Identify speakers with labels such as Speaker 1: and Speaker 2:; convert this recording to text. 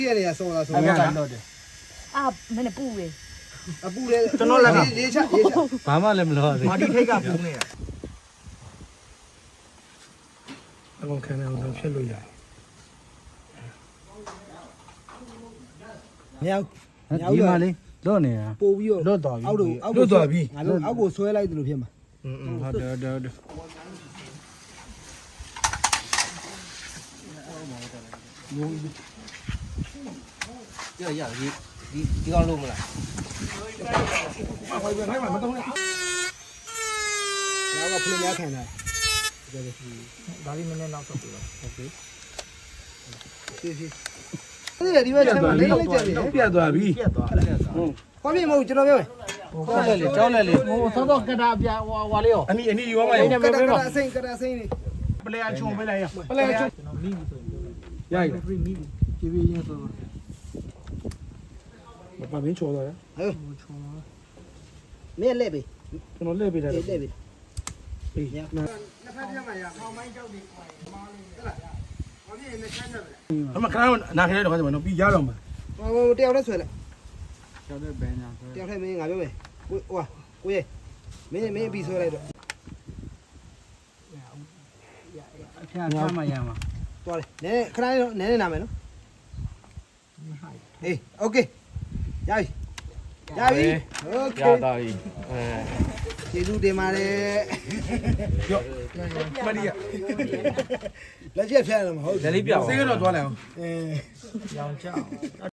Speaker 1: ပြည့်နေရဆောလာဆို
Speaker 2: အဲ့ဒါတော့တယ်
Speaker 3: အာမနဲ့ပူလေ
Speaker 1: အပူလေကျွန်တော်လည်းရေးချရေးချ
Speaker 2: ဘာမှလည်းမလုပ်ရသေး
Speaker 4: မာဒီထိတ်ကပူနေတာ
Speaker 2: အကောင်ခံနေအောင်ဖြစ်လို့ရတယ်
Speaker 1: မြောက်
Speaker 2: ဒီမှာလေးလွတ်နေတာ
Speaker 1: ပို့ပြီးတော့
Speaker 2: လွတ်သွားပြီ
Speaker 1: အောက်တို့အောက်
Speaker 2: လွတ်သွားပြီ
Speaker 1: ငါတို့အောက်ကိုဆွဲလိုက်တယ်လို့ဖြစ်မှာ
Speaker 2: ဟုတ်တယ်ဟုတ်တယ်
Speaker 4: ရဒီကောင်းလို့မလား
Speaker 1: ဟိုဘက်ထိုင်မှာမတော့နဲ့ငါကဖလင်းများခံတာ
Speaker 4: ဒါလေးနည်းနည်းနောက်ဆုတ်ပြီးတော့
Speaker 1: စီစီအဲ့ဒီဘက်ထဲမှာလေးလေးကြည့်နေ
Speaker 2: ပြတ်သွားပြီ
Speaker 4: ပြတ်သွားတယ်
Speaker 1: ခွာပြမဟုတ်ကျွန်တော်ပြောမယ်
Speaker 4: ကြောက်လက်လေ
Speaker 2: ဟိုသောတော့ကတာပြဟွာလေးရောအနီရောမရော
Speaker 1: ကတကအစိမ့်ကတအစိမ့်နေ
Speaker 2: ပလေအချုံပေးလိုက်ရပလေအချုံ
Speaker 4: ကျွန်တော်မိပြီဆိုရင်
Speaker 2: ရိုက်
Speaker 4: ဖရီမိပြီပြေးပြေးချင်းဆိုတော့
Speaker 2: ဘာမင်းချော်တော့ရ
Speaker 1: မင်းလက်ပြီ
Speaker 2: ကျွန်တော်လှည့်ပေးတယ်
Speaker 1: လက်ပြီ
Speaker 2: ပေးည
Speaker 1: နှစ်ဖက်ပြမှာရခေါင်းမိုင်းကြောက်နေမားနေဟုတ်လားဘာဖြစ်နေချမ်းတယ်
Speaker 2: အမခဏနာခဲတော့ခါကျမနော်ပြီးရတော့မှာ
Speaker 1: ဟိုတယောက်နဲ့ဆွဲလိုက်
Speaker 4: ကြောက်တဲ့ဘန်ညာဆို
Speaker 1: တယောက်ထဲမင်းငါပြောမယ်ကိုဟိုကိုရဲ့မင်းပြီးဆွဲလိုက်တော့
Speaker 2: အဖျားဖျားမှရမှာ
Speaker 1: သွားတယ်နည်းခဏနည်းနာမယ်နော်အေးโอเคရပြီရပြီโอเค
Speaker 4: ရတာပြီအဲ
Speaker 1: ကျေးဇူးတင်ပါတယ်
Speaker 2: ရော့မဒီရ
Speaker 1: လက်ချက်ဖျက်ရမှာဟုတ်
Speaker 4: လက်လေးပြောင်း
Speaker 2: စေးကတော့သွားလိုက်အောင်
Speaker 1: အဲ
Speaker 4: ရောင်ကြောက်